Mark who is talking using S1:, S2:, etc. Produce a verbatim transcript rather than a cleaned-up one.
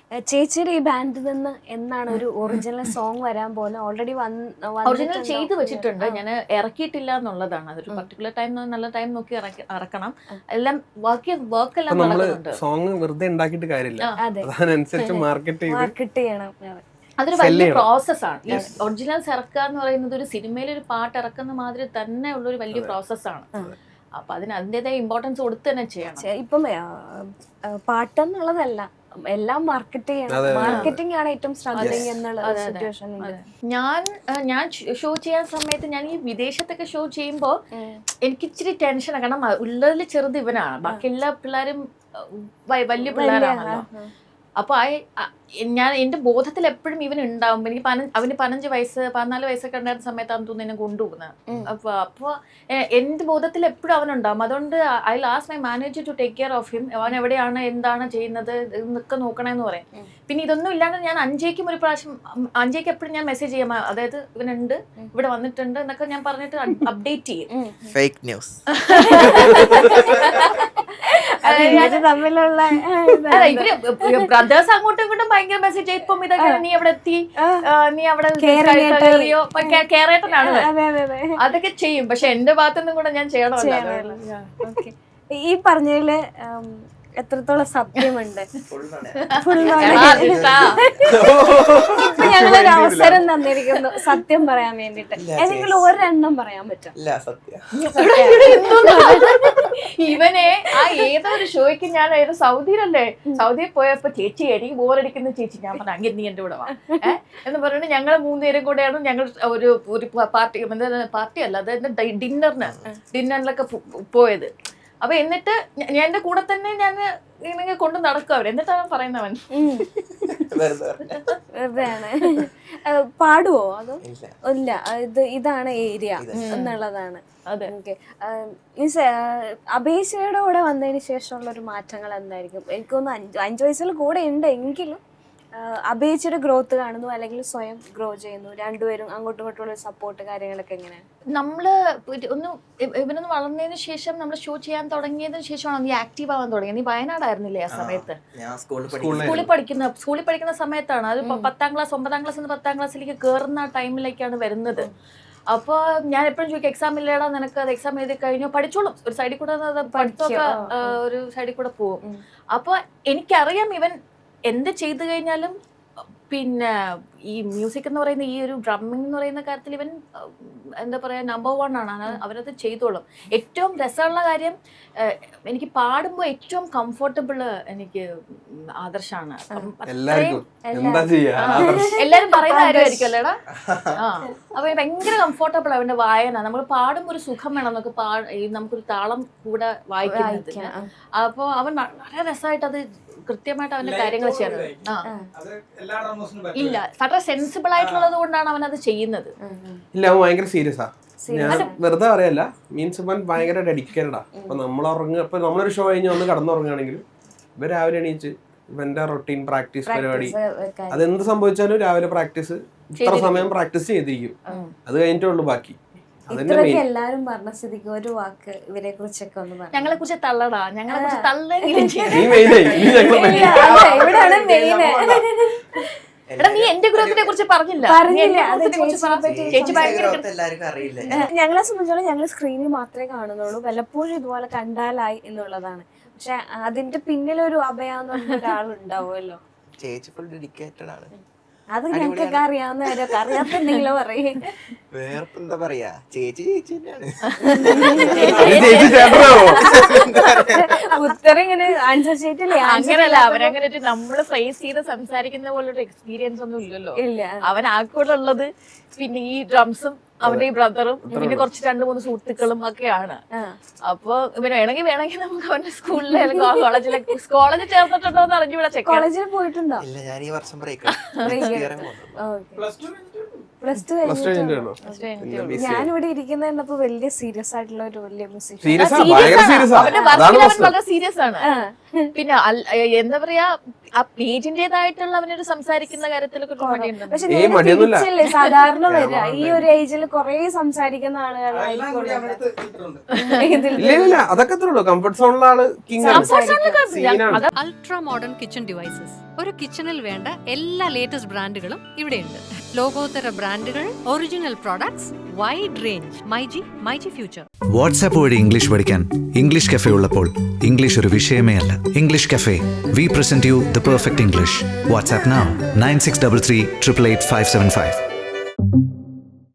S1: ചേച്ചിയുടെ ഈ ബാൻഡിൽ നിന്ന് എന്നാണ് ഒരു ഒറിജിനൽ സോങ് വരാൻ പോകുന്നത്? ഓൾറെഡി
S2: ഒറിജിനൽ ചെയ്ത് വെച്ചിട്ടുണ്ട്, ഞാൻ ഇറക്കിയിട്ടില്ല എന്നുള്ളതാണ്. അതൊരു പർട്ടിക്കുലർ ടൈം നല്ല ടൈം നോക്കി ഇറക്കണം. എല്ലാം വർക്ക് വർക്ക് എല്ലാം നടക്കുന്നുണ്ട്.
S3: സോങ് വെറുതെ ഉണ്ടാക്കിയിട്ട് കാര്യമില്ല, അതിനനുസരിച്ച് മാർക്കറ്റ് ചെയ്ത്
S1: മാർക്കറ്റ് ചെയ്യണം.
S2: അതൊരു വലിയ പ്രോസസ്സാണ്. ഈ ഒറിജിനൽസ് ഇറക്കുക എന്ന് പറയുന്നത് ഒരു സിനിമയിൽ ഒരു പാട്ട് ഇറക്കുന്ന മാതിരി തന്നെ ഉള്ളൊരു വലിയ പ്രോസസ്സാണ്. അപ്പൊ അതിന് അതിൻ്റെതായ ഇമ്പോർട്ടൻസ് കൊടുത്ത് തന്നെ ചെയ്യണം.
S1: ഇപ്പം പാട്ടെന്നുള്ളതല്ല, എല്ലാം മാർക്കറ്റ് ചെയ്യണം. മാർക്കറ്റിംഗ് ആണ് ഏറ്റവും സ്ട്രഗ്ലിംഗ് എന്നുള്ള സിറ്റുവേഷൻ.
S2: ഞാൻ ഞാൻ ഷോ ചെയ്യാൻ സമയത്ത് ഞാൻ ഈ വിദേശത്തൊക്കെ ഷോ ചെയ്യുമ്പോൾ എനിക്ക് ഇച്ചിരി ടെൻഷനാണ്. കാരണം ഉള്ളതിൽ ചെറുത് ഇവനാണ്, ബാക്കി എല്ലാ പിള്ളേരും വലിയ പിള്ളേരാണല്ലോ. അപ്പൊ ആ ഞാൻ എന്റെ ബോധത്തിൽ എപ്പോഴും ഇവൻ ഉണ്ടാവും. എനിക്ക് പന അവന് പതിനഞ്ച് വയസ്സ് പതിനാല് വയസ്സൊക്കെ ഉണ്ടായിരുന്ന സമയത്താണ് തോന്നുന്നു എന്നെ കൊണ്ടുപോകുന്നത്. അപ്പൊ അപ്പൊ എന്റെ ബോധത്തിൽ എപ്പോഴും അവനുണ്ടാവും. അതുകൊണ്ട് I last my manager to take care of him. അവൻ എവിടെയാണ് എന്താണ് ചെയ്യുന്നത് എന്നൊക്കെ നോക്കണമെന്ന് പറയും. പിന്നെ ഇതൊന്നും ഇല്ലാണ്ട് ഞാൻ അഞ്ചേക്കും ഒരു പ്രാവശ്യം അഞ്ചേക്ക് എപ്പോഴും ഞാൻ മെസ്സേജ് ചെയ്യാം, അതായത് ഇവനുണ്ട് ഇവിടെ വന്നിട്ടുണ്ട് എന്നൊക്കെ ഞാൻ പറഞ്ഞിട്ട് അപ്ഡേറ്റ് ചെയ്യും.
S4: ഫേക്ക് ന്യൂസ്
S1: തമ്മിലുള്ള
S2: ഇവര് ബ്രദേഴ്സ് അങ്ങോട്ടും ഇങ്ങോട്ടും ഭയങ്കര മെസ്സേജ്. ഇപ്പം ഇതൊക്കെ നീ എവിടെ എത്തി, നീ അവിടെ കയറിയോ, കേരേട്ടനാണ് അതൊക്കെ ചെയ്യും. പക്ഷെ എന്റെ ഭാഗത്തുനിന്നും കൂടെ ഞാൻ ചെയ്യണമല്ലോ.
S1: ഈ പറഞ്ഞതില് എത്രത്തോളം സത്യമുണ്ട്? ഇപ്പൊ ഞങ്ങളൊരു അവസരം തന്നിരിക്കുന്നു സത്യം പറയാൻ വേണ്ടിട്ട്. ഏതെങ്കിലും ഒരെണ്ണം പറയാൻ പറ്റും?
S2: ഇവനെ ആ ഏതോ ഒരു ഷോയ്ക്ക് ഞാൻ ഏതോ സൗദിയിലല്ലേ, സൗദിയിൽ പോയപ്പോ ചേച്ചി എനിക്ക് ബോറടിക്കുന്ന ചേച്ചി, ഞാൻ പറഞ്ഞു അങ്ങനെ നീ എന്റെ കൂടെ വാ ഏഹ് എന്ന് പറഞ്ഞിട്ട് ഞങ്ങൾ മൂന്നുപേരും കൂടെയാണ് ഞങ്ങൾ ഒരു ഒരു പാർട്ടി പാർട്ടി അല്ല അതായത് ഡിന്നറിന് ഡിന്നറിലൊക്കെ പോയത്. അപ്പൊ എന്നിട്ട് ഞാൻ എന്റെ കൂടെ തന്നെ ഞാൻ ഇങ്ങനെ കൊണ്ട് നടക്കും അവർ. എന്നിട്ടാണ് പറയുന്നവൻ
S1: വെറുതെയാണ്. പാടുവോ? അതോ ഇല്ല, ഇത് ഇതാണ് ഏരിയ എന്നുള്ളതാണ്.
S2: അതെ.
S1: ഓക്കെ. മീൻസ് അപേക്ഷയുടെ കൂടെ വന്നതിന് ശേഷമുള്ള ഒരു മാറ്റങ്ങൾ എന്തായിരിക്കും? എനിക്കൊന്ന് അഞ്ച് അഞ്ചു വയസ്സിൽ കൂടെ ഉണ്ട് എങ്കിലും അപേക്ഷയുടെ ഗ്രോത്ത് കാണുന്നു അല്ലെങ്കിൽ സ്വയം ഗ്രോ ചെയ്യുന്നു, രണ്ടുപേരും അങ്ങോട്ടും ഇങ്ങോട്ടുള്ള സപ്പോർട്ട് കാര്യങ്ങളൊക്കെ എങ്ങനെയാണ്?
S2: നമ്മള് ഒന്ന് ഇവനൊന്ന് വളർന്നതിന് ശേഷം നമ്മൾ ഷോ ചെയ്യാൻ തുടങ്ങിയതിന് ശേഷമാണ് നീ ആക്റ്റീവ് ആവാൻ തുടങ്ങിയത്. നീ വയനാടായിരുന്നില്ലേ ആ സമയത്ത്? സ്കൂളിൽ പഠിക്കുന്ന സ്കൂളിൽ പഠിക്കുന്ന സമയത്താണ്. അത് പത്താം ക്ലാസ് ഒമ്പതാം ക്ലാസ് നിന്ന് പത്താം ക്ലാസ്സിലേക്ക് കയറുന്ന ടൈമിലേക്കാണ് വരുന്നത്. അപ്പോൾ ഞാൻ എപ്പോഴും ചോദിക്കും, എക്സാം ഇല്ലേടാ നിനക്ക്, അത് എക്സാം എഴുതി കഴിഞ്ഞോ പഠിച്ചോളും, ഒരു സൈഡിൽ കൂടെ പഠിത്തമൊക്കെ ഒരു സൈഡിൽ കൂടെ പോകും. അപ്പോൾ എനിക്കറിയാം ഇവൻ എന്ത് ചെയ്തു കഴിഞ്ഞാലും പിന്നെ ഈ മ്യൂസിക് എന്ന് പറയുന്ന ഈ ഒരു ഡ്രമ്മിങ് എന്ന് പറയുന്ന കാര്യത്തിൽ ഇവൻ എന്താ പറയുക നമ്പർ വൺ ആണ്. അവരത് ചെയ്തോളും. ഏറ്റവും രസമുള്ള കാര്യം എനിക്ക് പാടുമ്പോൾ ഏറ്റവും കംഫർട്ടബിൾ എനിക്ക് ആദർശാണ്. എല്ലാരും പറയുന്ന കാര്യമായിരിക്കും അല്ലേടാ. ആ അപ്പൊ ഭയങ്കര കംഫർട്ടബിൾ അവന്റെ വായന. നമ്മൾ പാടുമ്പോൾ ഒരു സുഖം വേണം നമുക്ക് പാ നമുക്കൊരു താളം കൂടെ വായിക്കുന്നതിന്. അപ്പൊ അവൻ വളരെ രസമായിട്ട് അത് കൃത്യമായിട്ട് അവന്റെ കാര്യങ്ങൾ ചെയ്യുന്നത്. ആ ഇല്ല, വളരെ സെൻസിബിൾ ആയിട്ടുള്ളത് കൊണ്ടാണ് അവൻ അത് ചെയ്യുന്നത്.
S3: ഇല്ല, അവൻ ഭയങ്കര സീരിയസ് ആ. ഞാൻ വെറുതെ പറയല്ല, മീൻസ് ഇവൻ ഭയങ്കര ഡെഡിക്കേറ്റഡാ. അപ്പൊ നമ്മൾ ഉറങ്ങുക, ഇപ്പൊ നമ്മളൊരു ഷോ കഴിഞ്ഞ് ഒന്ന് കടന്നുറങ്ങുകയാണെങ്കിലും ഇവ രാവിലെ എണീച്ച് ഇവന്റെ റൊട്ടീൻ പ്രാക്ടീസ് പരിപാടി, അതെന്ത് സംഭവിച്ചാലും രാവിലെ പ്രാക്ടീസ് ഇത്ര സമയം പ്രാക്ടീസ് ചെയ്തിരിക്കും. അത് കഴിഞ്ഞിട്ടേ ഉള്ളൂ ബാക്കി.
S1: എല്ലാരും പറഞ്ഞ സ്ഥിതിക്ക് ഒരു വാക്ക് ഇവരെ കുറിച്ചൊക്കെ ഒന്ന് പറഞ്ഞു.
S2: ഞങ്ങളെ കുറിച്ച് തള്ളടാ, ഞങ്ങളെ കുറിച്ച് തള്ളെങ്കിലും എടാ നീ എന്റെ ഗ്രൂപ്പിനെ കുറിച്ച് പറഞ്ഞില്ല.
S1: ഞങ്ങളെ സംബന്ധിച്ചോളം ഞങ്ങൾ സ്ക്രീനിൽ മാത്രമേ കാണുന്നുള്ളൂ, വല്ലപ്പോഴും ഇതുപോലെ കണ്ടാലായി എന്നുള്ളതാണ്. പക്ഷെ അതിന്റെ പിന്നിലൊരു അഭയാന്ന് പറഞ്ഞ ഒരാളുണ്ടാവുമല്ലോ.
S4: ചേച്ചി ഫുൾ ഡെഡിക്കേറ്റഡ് ആണ്.
S1: അത് ഞങ്ങൾക്കൊക്കെ അറിയാവുന്ന കാര്യമൊക്കെ അറിയാത്തുണ്ടെങ്കിലോ പറയേ.
S4: വേറെന്താ പറയാ, ചേച്ചി ചേച്ചി തന്നെയാണ്.
S1: ഉത്തരം ഇങ്ങനെ ആൻസർ ഷീറ്റില്ലേ?
S2: അങ്ങനല്ല, അവരങ്ങനെ നമ്മള് ഫേസ് ചെയ്ത് സംസാരിക്കുന്ന പോലൊരു എക്സ്പീരിയൻസ് ഒന്നും ഇല്ലല്ലോ. അവൻ ആക്കൂടെ ഉള്ളത് പിന്നെ ഈ ഡ്രംസും അവന്റെ ഈ ബ്രദറും പിന്നെ കുറച്ച് രണ്ടു മൂന്ന് സുഹൃത്തുക്കളും ഒക്കെയാണ്. അപ്പൊ ഇവന് വേണമെങ്കിൽ വേണമെങ്കിൽ നമുക്ക് അവന്റെ സ്കൂളിലെ കോളേജിലെ കോളേജിൽ ചേർന്നിട്ടുണ്ടോ എന്ന് അറിഞ്ഞു. ഇവിടെ
S1: കോളേജിൽ പോയിട്ടുണ്ടോ?
S4: ഇല്ല, ഞാൻ ഈ വർഷം break
S1: plus two
S3: plus two കഴിഞ്ഞിട്ടാണോ?
S1: ഞാനിവിടെ ഇരിക്കുന്ന കണ്ടപ്പോ വലിയ സീരിയസ് ആയിട്ടുള്ള ഒരു വലിയ മ്യൂസിഷ്യൻ.
S3: സീരിയസ് ആ, ഭയങ്കര സീരിയസ് ആ.
S2: അവന്റെ
S3: അതാണ്
S2: വർക്കിൽ അവൻ
S3: പ്രശ്നം.
S2: വളരെ സീരിയസ് ആണ്. പിന്നെ അൽ- എന്താ പറയാ ആ പേജിന്റേതായിട്ടുള്ള അവനൊരു സംസാരിക്കുന്ന കാര്യത്തിലൊക്കെ ഒരു മടിയുണ്ട്.
S1: പക്ഷെ
S3: ഏയ്
S1: നേരെ
S3: മടിയൊന്നുമില്ല.
S1: തിരിച്ചല്ലേ സാധാരണ വരിക. ഈ ഒരു ഏജിൽ കുറെ സംസാരിക്കുന്ന ആളുകളായിരിക്കും ഇതിൽ
S3: ഇല്ല ഇല്ല അതൊക്കെ അത്രേ ഉള്ളൂ. കംഫർട്ട് സോണിലുള്ള ആള് കിങ് ആണ്. സീനാണ്.
S5: Ultra modern kitchen devices. ഒരു കിച്ചണിൽ വേണ്ട എല്ലാ ലേറ്റസ്റ്റ് ബ്രാൻഡുകളും ഇവിടെയുണ്ട്. ലോകോത്തര ബ്രാൻഡുകൾ, original products, wide range. MyG myG future.
S6: WhatsApp വഴി ഇംഗ്ലീഷ് പഠിക്കാൻ ഇംഗ്ലീഷ് കഫേ ഉള്ളപ്പോൾ ഇംഗ്ലീഷ് ഒരു വിഷയമേ അല്ല. English cafe, we present you the perfect English. WhatsApp now nine six three three eight eight five seven five.